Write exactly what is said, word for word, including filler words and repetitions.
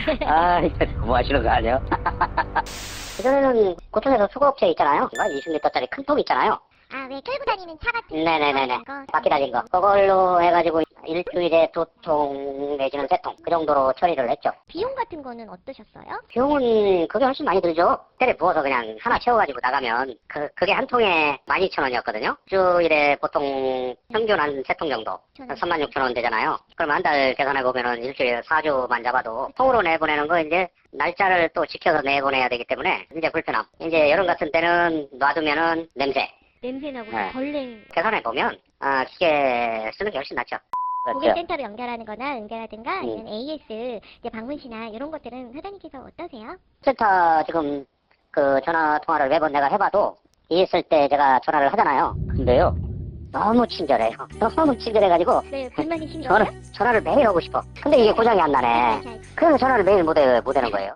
아, 이거 뭐 하시는 거 아니에요? 그전에는 고촌에서 수거업체 있잖아요. 이십 리터짜리 큰 통 있잖아요. 아, 왜 끌고 다니는 차 같은 네네네네. 거? 바퀴 달린 거. 그걸로 해가지고 일주일에 두 통 내지는 세 통. 그 정도로 처리를 했죠. 비용 같은 거는 어떠셨어요? 비용은 그게 훨씬 많이 들죠. 때려 부어서 그냥 하나 채워가지고 나가면 그, 그게 한 통에 만 이천 원이었거든요. 일주일에 보통 평균 한 세 통 정도. 한 삼만 육천 원 되잖아요. 그럼 한 달 계산해보면은 일주일에 사 주만 잡아도 통으로 내보내는 거 이제 날짜를 또 지켜서 내보내야 되기 때문에 이제 불편함. 이제 여름 같은 때는 놔두면은 냄새. 냄새나고 네. 벌레. 계산해보면 아, 기계 쓰는 게 훨씬 낫죠. 고객센터로 연결하는 거나 연결하든가 아니면 음. 에이에스 이제 방문시나 이런 것들은 사장님께서 어떠세요? 센터 지금 그 전화 통화를 매번 내가 해봐도 있을 때 제가 전화를 하잖아요. 근데요 너무 친절해요. 너무 친절해가지고 네, 불만이신 거예요? 전화, 전화를 매일 하고 싶어. 근데 이게 고장이 안 나네. 그래서 전화를 매일 못, 해, 못 하는 거예요.